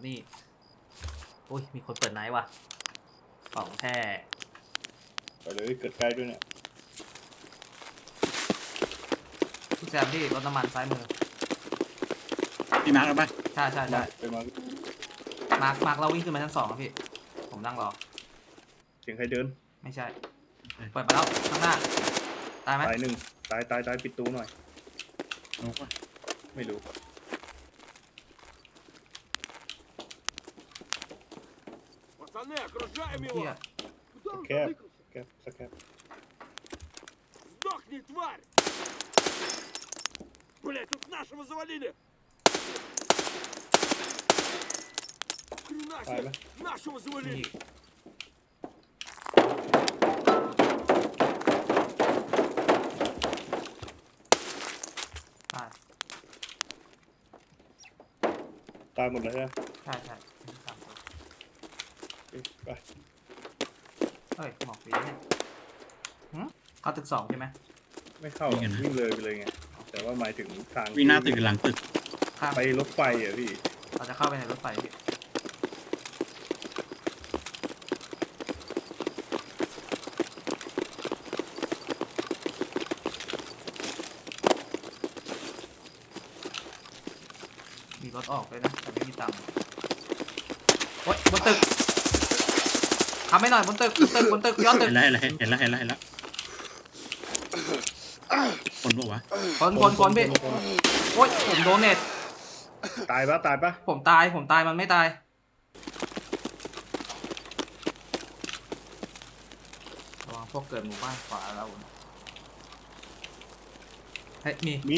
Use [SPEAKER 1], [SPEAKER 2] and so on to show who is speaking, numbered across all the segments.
[SPEAKER 1] นี่อุ้ยมีคนเปิดไนท์ว่ะของแท้
[SPEAKER 2] ไปเลยเกิดใกล้ด้วยเนี่ย
[SPEAKER 1] พี่แซมพี่รถน้ำมันซ้ายมือ
[SPEAKER 3] พี่มาร์คเอาไป
[SPEAKER 1] ใช่
[SPEAKER 2] ไปมา
[SPEAKER 1] มาร์คเราวิ่งขึ้นมาชั้น2ครับพี่ผมนั่งรอ
[SPEAKER 2] เสียงใครเดิน
[SPEAKER 1] ไม่ใช่เปิดไปแล้วข้างหน้าตายไหม
[SPEAKER 2] ตายหนึ่งตายปิดตู้หน่อยไม่รู้แคบสแคบ
[SPEAKER 4] Сдохни, тварь! Блять, тут нашего завалили! Хрена себе! Нашего завалили!
[SPEAKER 2] ตายหมดเลยนะ
[SPEAKER 1] ใช่
[SPEAKER 2] ไป
[SPEAKER 1] เฮ้ยหมอกปีเนี่ยเข้าตึก2ใช่ไหม
[SPEAKER 2] ไม่เข้าวิ่งเลยไปเลยไงแต่ว่าหมายถึงทาง
[SPEAKER 3] วิ่งหน้าตึกหลังตึก
[SPEAKER 2] ไปรถไฟอ่ะพี่
[SPEAKER 1] เราจะเข้าไปในรถไฟพี่มีรถออกเลยนะแต่ไม่มีตังค์โอ๊ยบนตึกทำให้หน่อยบนตึกย้อนตึก
[SPEAKER 3] เห็นแล้วคนบอกว่า
[SPEAKER 1] คนพี่โอ๊ยผมโดนเน็ต
[SPEAKER 2] ตายปะ
[SPEAKER 1] ผมตายมันไม่ตายระวังพวกเกิดหมู่บ้านขวาเราเฮ้ยมี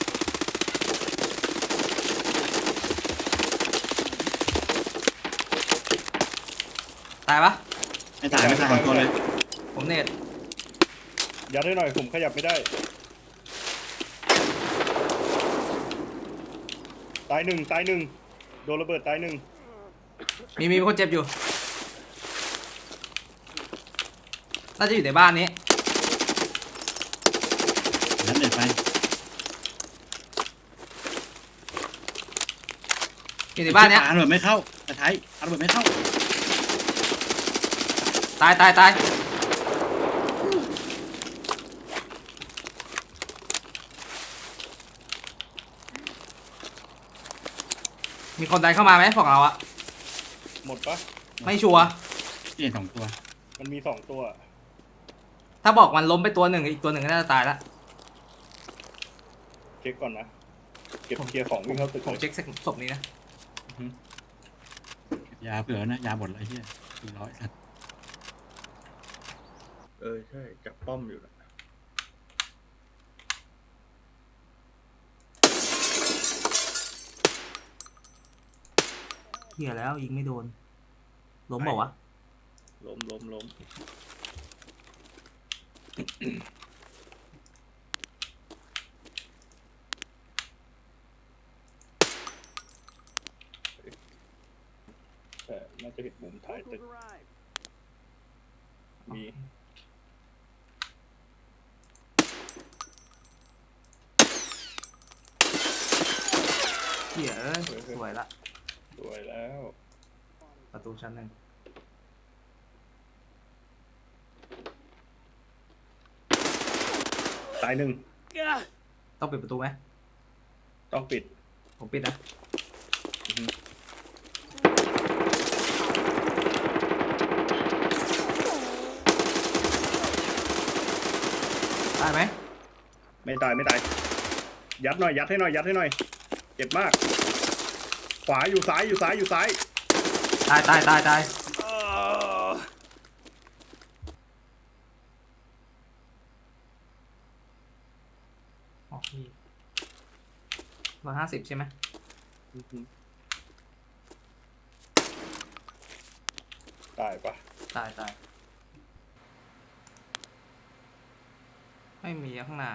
[SPEAKER 1] ตายปะ
[SPEAKER 3] ไม่ตายตัวเลย
[SPEAKER 1] ผมเน็ต
[SPEAKER 2] ยัดให้หน่อยผมขยับไม่ได้ตายหนึ่งโดนระเบิดตายหนึ่ง
[SPEAKER 1] มีคนเจ็บอยู่น่าจะอยู่ในบ้านนี้
[SPEAKER 3] นั่นเด็ดไป
[SPEAKER 1] อยู่ในบ้านเนี้ย
[SPEAKER 3] ระเบิดไม่เข้าแต่ท้ายระเบิดไม่เข้า
[SPEAKER 1] ตายมีคนใดเข้ามาไหมฝั่งเราอะ
[SPEAKER 2] หมดปะ
[SPEAKER 1] ไม่ชัวร์
[SPEAKER 3] เปลี่ยน2ตัว
[SPEAKER 2] มันมี2ตัว
[SPEAKER 1] ถ้าบอกมันล้มไปตัวหนึ่งอีกตัวหนึ่งก็น่าจะตายละ
[SPEAKER 2] เช็คก่อนนะเก็บเคลียร์ของวิ่งเข้าตึก
[SPEAKER 1] ผมเช็คศพนี้นะ
[SPEAKER 3] ยาเผื่อนะยาหมดเลยเฮีย400สัตว์
[SPEAKER 2] ใช่จับป้อมอยู่นะ
[SPEAKER 1] เหี้ยแล้วยิงไม่โดนล้มบอกวะ
[SPEAKER 2] ล้มแต่น่าจะเห็นมุมท้ายตึกมี
[SPEAKER 1] เหี้ยสวยแล้วประตูชั้น 1
[SPEAKER 2] ตาย1
[SPEAKER 1] ต้องปิดประตูไหม
[SPEAKER 2] ต้องปิด
[SPEAKER 1] ผมปิดนะตายไหม
[SPEAKER 2] ไม่ตายยัดให้หน่อยเจ็บมากขวาอยู่ซ้าย
[SPEAKER 1] ตายออกพี่150ใช่ไหม
[SPEAKER 2] ตายปะ
[SPEAKER 1] ตายไม่มีข้างหน้า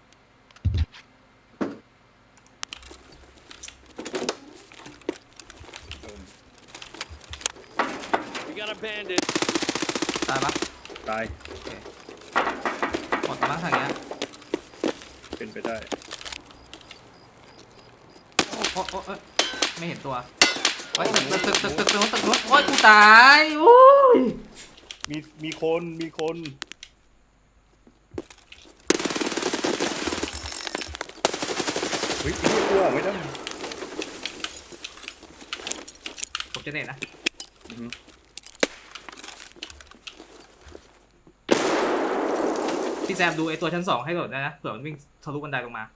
[SPEAKER 1] ตายปะ
[SPEAKER 2] ตาย
[SPEAKER 1] หมดแล้วทางเนี้ย
[SPEAKER 2] เป็นไปได้
[SPEAKER 1] โอ้ไม่เห็นตัวโอ้ยตึกโอ้ยกูตายโอ้ย
[SPEAKER 2] มีคนเฮ้ยพี่กลัวไม่ได้
[SPEAKER 1] ผมจะเน็ตนะ
[SPEAKER 2] อือฮึ
[SPEAKER 1] พี่แซมดูไอ้ตัวชั้น 2ให้หน่อยนะเผื่อมันวิ่งทะลุบันไดลงมา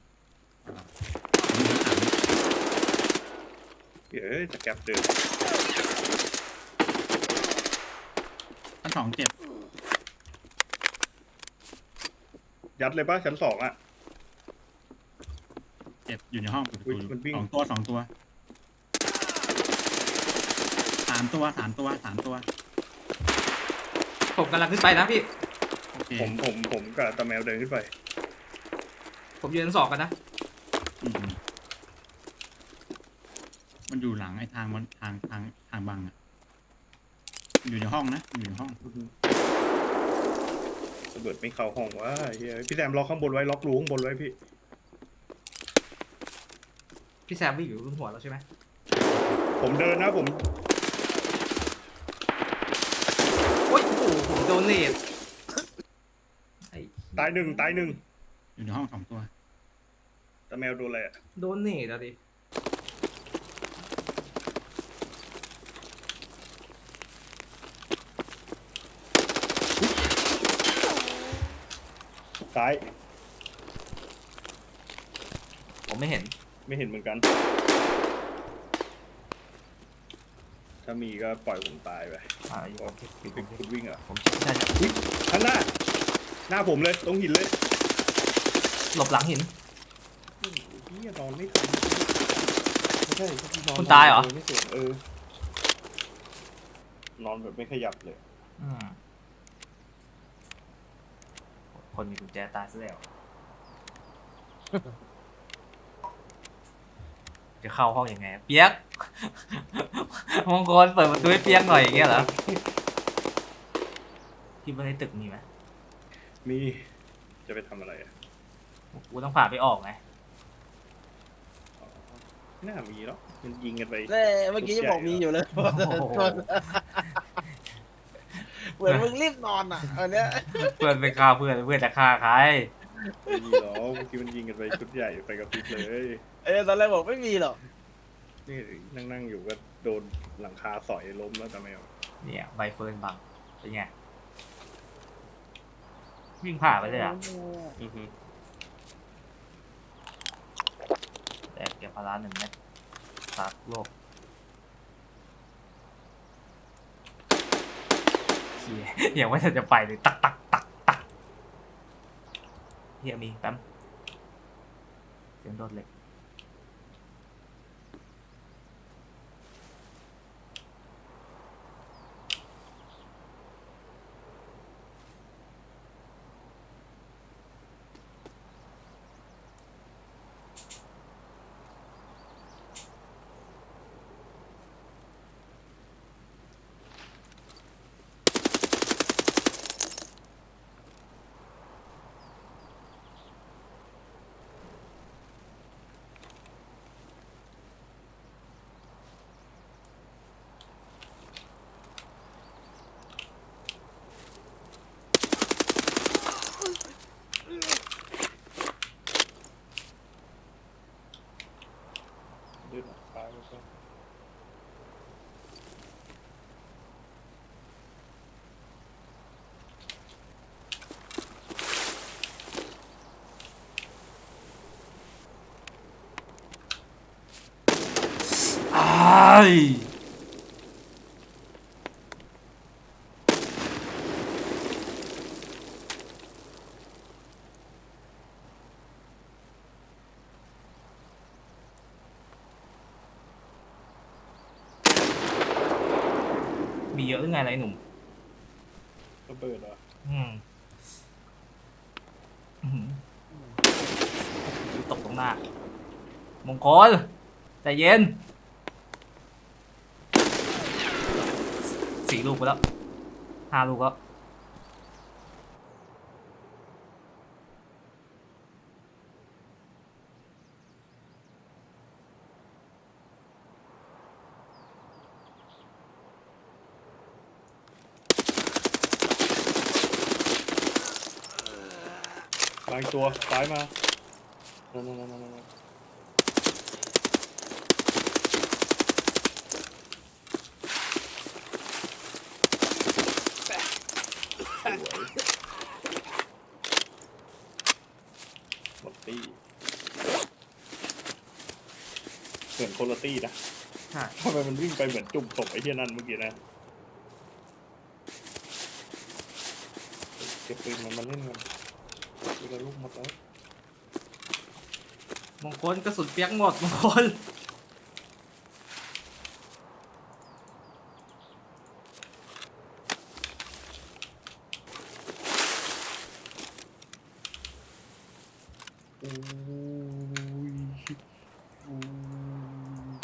[SPEAKER 2] เดี๋ยวจะแก็บเดิน
[SPEAKER 3] ชั้นสองเจ็บ
[SPEAKER 2] ยัดเลยป่ะชั้นสองอ่ะ
[SPEAKER 3] เจ็บอยู่ในห้องเปิดประตู
[SPEAKER 2] อุ๊ยมันวิ่ง
[SPEAKER 3] สองตัวสามตัวสามตัว
[SPEAKER 1] ผมกำลังขึ้นไปนะพี่
[SPEAKER 3] โอเค
[SPEAKER 2] ผมกับตาแมวเดินขึ้นไป
[SPEAKER 1] ผมยืนชั้น 2กันนะ
[SPEAKER 3] อืมมันอยู่หลังไอ้ทางมันทางบังอะอยู่ในห้องนะอยู่ในห้อง
[SPEAKER 2] ระเบิดไม่เข้าห้องวะเฮ้ยพี่แซมล็อกข้างบนไว้ล็อกรูข้างบนไว้พี่
[SPEAKER 1] พี่แซมวิ่งอยู่บนหัวเราใช่ไหม
[SPEAKER 2] ผมเดินนะผม
[SPEAKER 1] โอ้ยโอ้โหผมโดนเนตไอ้
[SPEAKER 2] ตายหนึ่ง
[SPEAKER 3] อยู่ในห้องสองตัว
[SPEAKER 2] ตาแมวโดนอะไรอ่ะ
[SPEAKER 1] โดนเนตอะดิ
[SPEAKER 2] ซ้าย
[SPEAKER 1] ผมไม่เห็น
[SPEAKER 2] ไม่เห็นเหมือนกัน ถ้ามีก็ปล่อยผมตายไป
[SPEAKER 1] อยู่ผม
[SPEAKER 2] คุณวิ่งเหรอ่ะ
[SPEAKER 1] ผมใช่
[SPEAKER 2] อุ๊ยข้างหน้า หน้าผมเลยตรงหินเลย
[SPEAKER 1] หลบหลังหิน
[SPEAKER 2] เฮียนอนไม่ทันไม่ใช่นอน
[SPEAKER 1] คุณตายเหรอ
[SPEAKER 2] ไม่เสร็จนอนแบบไม่ขยับเลย
[SPEAKER 1] อืมคนมีกุญแจตายซะแล้ว จะเข้าห้องยังไงเปียก มงคลเปิดประตูให้เปียกหน่อยอย่างเงี้ยเหรอที่บนในตึกมีไหม
[SPEAKER 2] มีจะไปทำอะไรอ่ะ
[SPEAKER 1] กูต้องผ่าไปออกไง
[SPEAKER 2] อ๋อไม่น่ามีหรอกมันยิงกันไป
[SPEAKER 5] เมื่อกี้ยังบอกมีอยู่เลย
[SPEAKER 1] โอ้โห
[SPEAKER 5] เหมือนมึงรีบนอนอ่ะอันเนี้ย
[SPEAKER 1] เพื่อนไปฆ่าเพื่อนเพื่อนจะฆ่าใคร
[SPEAKER 2] ไม่มีหรอกเมื่อกี้มันยิงกันไปชุดใหญ่ไปกับพริบเลย
[SPEAKER 5] ตอนแรกบอกไม่มีหรอก
[SPEAKER 2] นี่นั่งอยู่ก็โดนหลังคาสอยล้มแล้วแต่ไม่เอา
[SPEAKER 1] เนี่ยใบเฟิร์นบังเป็นไงวิ่งผ่าไปเลยอ่ะ
[SPEAKER 2] อือฮึ
[SPEAKER 1] แต่เก็บพารา1 เม็ดฝากโลกเฮียอย่างว่าจะไปเลยตักเฮียมีแป๊มเสียงโดดเหล็ก
[SPEAKER 2] ยืดหลังคาแล้วก็
[SPEAKER 1] อ้ายมีเยอะหรือไงไรหนุ่ม
[SPEAKER 2] ระเบิดเหรอ
[SPEAKER 1] อืมอื้อหือตกตรงหน้า มงคลใจเย็น4 ลูกไปแล้ว5 ลูกแล้ว
[SPEAKER 2] วางตัวซ้ายมานั่นหมดตี้เหมือนโคโลตี้นะ
[SPEAKER 1] ใช่
[SPEAKER 2] ทำไมมันวิ่งไปเหมือนจุ่มศพไอ้เหี้ยนั่นเมื่อกี้นะเก็บปืนมันมาเล่นกันเวลาลูกหมดแล้ว
[SPEAKER 1] มงคลกระสุนเปียกหมดมงคล
[SPEAKER 2] โอ้ยโอ้ย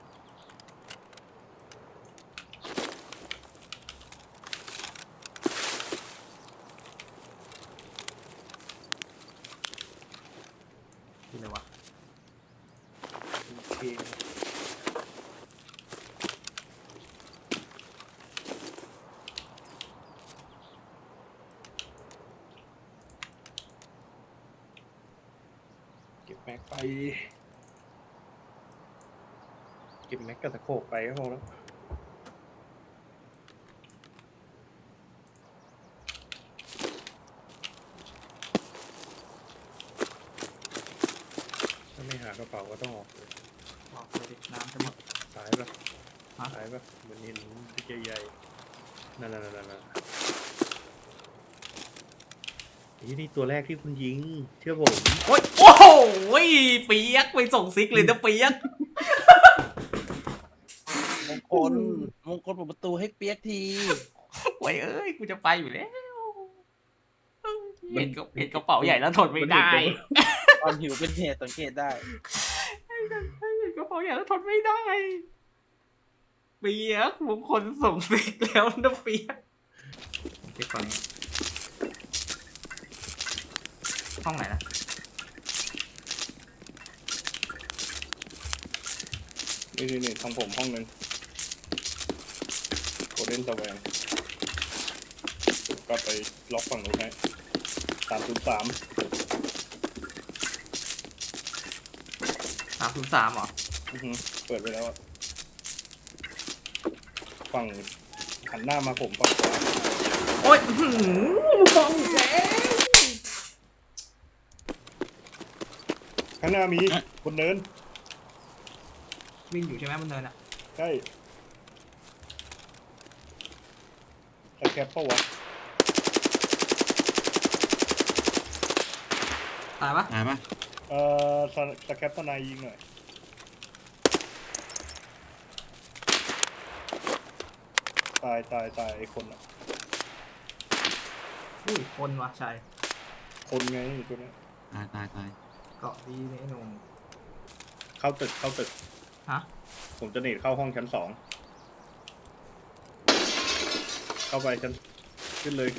[SPEAKER 1] คืออะไรวะ
[SPEAKER 2] โอเคเก็บแม็กไป เก็บแม็กกับตะโขกไปก็พอแล้ว ถ้าไม่หากระเป๋าก็ต้องออกเลย
[SPEAKER 1] บอกเลยดิน้ำจะหมด
[SPEAKER 2] ซ้ายปะ
[SPEAKER 1] ฮะ
[SPEAKER 2] ซ้ายปะเหมือนเห็นที่ใหญ่ๆนั่นนี่ตัวแรกที่คุณยิง เชื่อผม
[SPEAKER 1] โอ้ยโอ้โหเปียกไปส่งซิกเลยนะเปียก
[SPEAKER 5] มงคลเปิดประตูให้เปียกที
[SPEAKER 1] โอ้ยเอ้ยกูจะไปอยู่แล้วเห็นกระเป๋าใหญ่แล้วทนไม่ได้
[SPEAKER 5] ความหิวเป็นเหตุสังเกตได้
[SPEAKER 1] เห็นกระเป๋าใหญ่แล้วทนไม่ได้เปียกมงคลส่งซิกแล้วนะเปียกเก็บก่อนนี้ห้องไหนนะ
[SPEAKER 2] นี่ทางผมห้องนึงโกลเด้นสแวงก็ไปล็อกฝั่งนู้นให้303
[SPEAKER 1] 303เหรอ
[SPEAKER 2] เปิดไปแล้วอะฝั่งหันหน้ามาผมฝั่งขวา
[SPEAKER 1] โอ้ยมองแสง
[SPEAKER 2] ข้างหน้ามีคนเดิน
[SPEAKER 1] วิ่งอยู่ใช่ไหมบนเนินอ่ะ
[SPEAKER 2] ใช่สแคปเปอร์วะ
[SPEAKER 1] ตายปะ
[SPEAKER 3] ตายปะ
[SPEAKER 2] สแคปเปอร์นายยิงหน่อยตายไอ้คนอะ
[SPEAKER 1] อุ้ยคนวะชัย
[SPEAKER 2] คนไงตัวเนี้ย
[SPEAKER 3] ตาย
[SPEAKER 1] เกาะดีเนี่ยไอ้หนุ่ม
[SPEAKER 2] เข้าตึก
[SPEAKER 1] ฮะ
[SPEAKER 2] ผมจะหนีเข้าห้องชั้น 2เข้าไปชั้นขึ้นเลย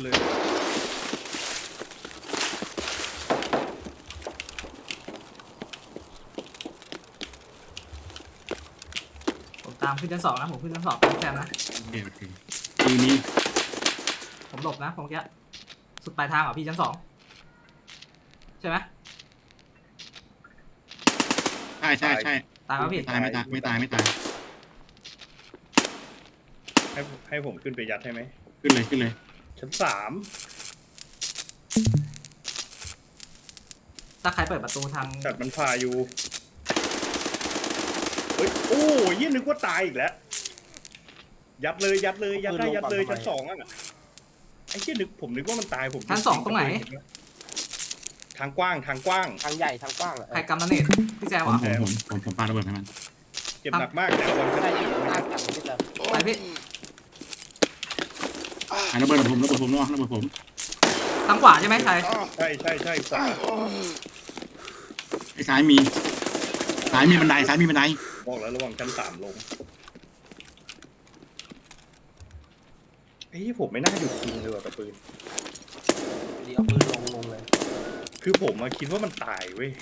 [SPEAKER 1] ผมตามขึ้นชั้น 2นะผมขึ้นชั้น 2เป็นแซมนะ
[SPEAKER 3] โอเคทีนี้
[SPEAKER 1] ผมหลบนะผมแค่สุดปลายทางเหรอพี่ชั้น 2ใช่ไหม
[SPEAKER 3] ใช่
[SPEAKER 1] ตายปะพี่
[SPEAKER 3] ไม่ตาย
[SPEAKER 2] ให้ผมขึ้นไปยัดให้ไหม
[SPEAKER 3] ขึ้นเลย
[SPEAKER 2] ชั้น
[SPEAKER 1] ถ้าใครเปิดประตูทาง
[SPEAKER 2] 3แต่มันพาอยู่เฮ้ยโอ้ยยี่นึกว่าตายอีกแล้วยัดเลยยัดเลยชั้น 2อ่ะไอ้ยี่ผมนึกว่ามันตายผม
[SPEAKER 1] ชั้น 2ตรงไหน
[SPEAKER 2] ทางกว้าง
[SPEAKER 5] ทางใหญ่ทางกว้างอะ
[SPEAKER 1] ใครกำนันเนตพี่แซมเหรอ
[SPEAKER 3] ผมปาระเบิดให้มัน
[SPEAKER 2] เจ็บหนักมากแต่วัน
[SPEAKER 5] ใช่
[SPEAKER 2] ชั้น
[SPEAKER 5] ที่หน้าสั่งที่จะ
[SPEAKER 1] ไปพี่
[SPEAKER 3] ระเบิดผมเนาะระเบิดผม
[SPEAKER 1] ทางขวาใช่ไหมชัย
[SPEAKER 2] ใช่ขวา
[SPEAKER 3] ไอ้ซ้ายมีบันได
[SPEAKER 2] บอกแล้วระวังชั้น 3ลงไอ้ผมไม่น่าหยุดยิงเลยว่ะกับปืน
[SPEAKER 5] เดี๋ยวปืนลงเลย
[SPEAKER 2] คือผมมาคิดว่ามันตายเว้ย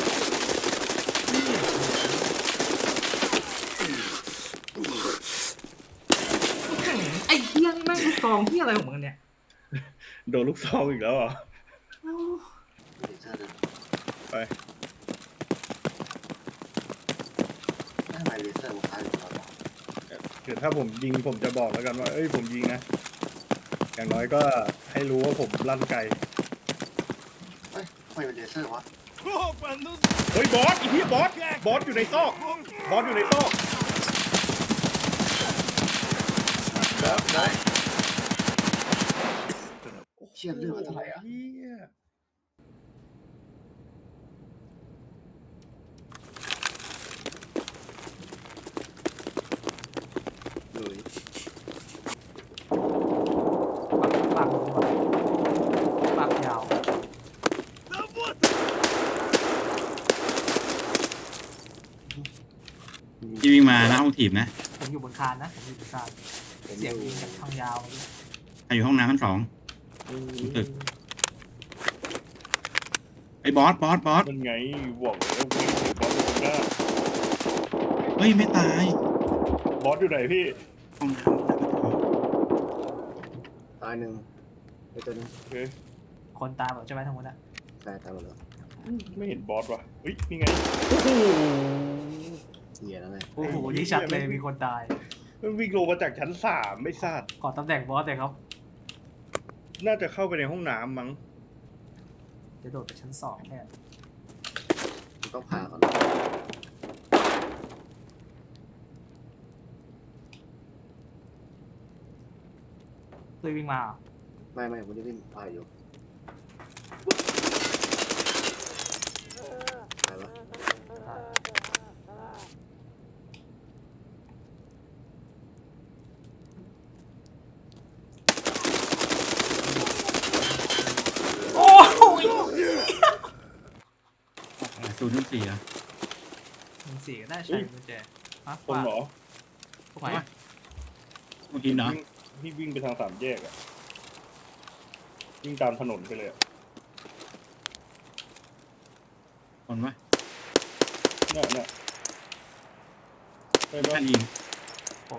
[SPEAKER 1] ไอ้เหี้ยนี่แม่งลูกซองที่อะไรของมึงเนี่ย
[SPEAKER 2] โดนลูกซองอีกแล้วเหรอ
[SPEAKER 6] เลเซอร์เลย
[SPEAKER 2] ไป
[SPEAKER 6] ทำไมเลเซอร์มันคล้ายกับเรา
[SPEAKER 2] เดี๋ยวถ้าผมยิงผมจะบอกแล้วกันว่าเอ้ยผมยิงนะอย่างน้อยก็ให้รู้ว่าผมลั่นไกล
[SPEAKER 6] เฮ้ยทำไมเป็นเลเซอร์วะ
[SPEAKER 4] Опа, ну
[SPEAKER 2] เฮ้ยบอสอีพี่บอสอยู่ในซอกบอสอยู่ในซอกบอส
[SPEAKER 6] เชี่ยเรื่องมันเท่าไหร่อ่ะ
[SPEAKER 2] เหี้ย
[SPEAKER 6] เลย
[SPEAKER 1] ปักปักยาว
[SPEAKER 4] да вот!
[SPEAKER 3] ที่วิ่งมาหน้าห้องถีบนะ
[SPEAKER 1] ผมอยู่บนคานนะผมอยู่บนคานเสียงยิงจากทางยาวเลย
[SPEAKER 3] ใครอยู่ห้องน้ำชั้น 2ตึกไอ้บอส
[SPEAKER 2] มันไงบอกแล้ววิ่งถึงบอสอยู่ข้างหน้า
[SPEAKER 3] เฮ้ยไม่ตาย
[SPEAKER 2] บอสอยู่ไหนพี่
[SPEAKER 3] ห้องน้ำ
[SPEAKER 6] ตายหนึ่งไอ้ตัวนี้
[SPEAKER 2] โอเค
[SPEAKER 1] คนตามแบบใช่ไหมทั้งหมดอะ
[SPEAKER 6] ตายหมดแล้ว
[SPEAKER 2] ไม่เห็นบอสว่ะเฮ้ยนี่ไงโอ้โห
[SPEAKER 6] เสียแล้วไง
[SPEAKER 1] โอ้โหนี่ชัดเลยมีคนตาย
[SPEAKER 2] มันวิ่งลงมาจากชั้น3ไม่ทราบ
[SPEAKER 1] ขอตำแหน่งบอสเลยครับ
[SPEAKER 2] น่าจะเข้าไปในห้องน้ำมั้ง
[SPEAKER 1] เดี๋ยวโดดไปชั้น2แทน
[SPEAKER 6] ต้องผ่าก่อน
[SPEAKER 1] ตุยวิ่งมาเหรอ
[SPEAKER 6] ไม่ผมจะวิ่งผ่าอยู่ตายปะ
[SPEAKER 1] โอ้ย
[SPEAKER 3] 0.4อ่ะ
[SPEAKER 1] 1-4ก็ได้ใช้กุญแจฮะ
[SPEAKER 2] คนเหรอ
[SPEAKER 1] พวกไหน
[SPEAKER 3] เมื่อกี้เนาะ
[SPEAKER 2] พี่วิ่งไปทาง3 แยกอะวิ่งตามถนนไปเลยอะ
[SPEAKER 3] คนวะ
[SPEAKER 2] เนี่ยไปบ้า
[SPEAKER 3] ท่าน นยิง
[SPEAKER 1] ผม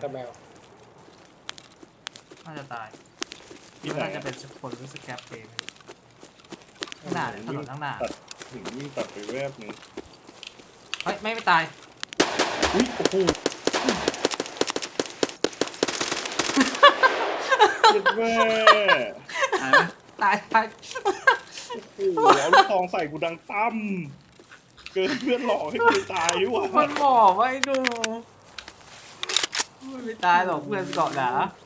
[SPEAKER 1] น่าจะตาย
[SPEAKER 2] ที่ไหน
[SPEAKER 1] น่าจะ
[SPEAKER 2] อะ
[SPEAKER 1] เป็นคนรู้สึกแกปเองข้างหน้าเนี่ยถนนข้างหน้า
[SPEAKER 2] ถึงวิ่งตัดไปแวบหนึง
[SPEAKER 1] เฮ้ยไม่ตาย
[SPEAKER 2] อุ้ยโอ้โหเจ็บแม่
[SPEAKER 3] ตายปะ
[SPEAKER 1] ตาย
[SPEAKER 2] โอ้โหเอาลูกซองใส่กูดังตั้มเกินเพื่อนหลอกให้กูตายดีกว่า
[SPEAKER 1] มันบอกว่าไอ้ดูไม่ตายหรอกเพื่อนเกาะหนา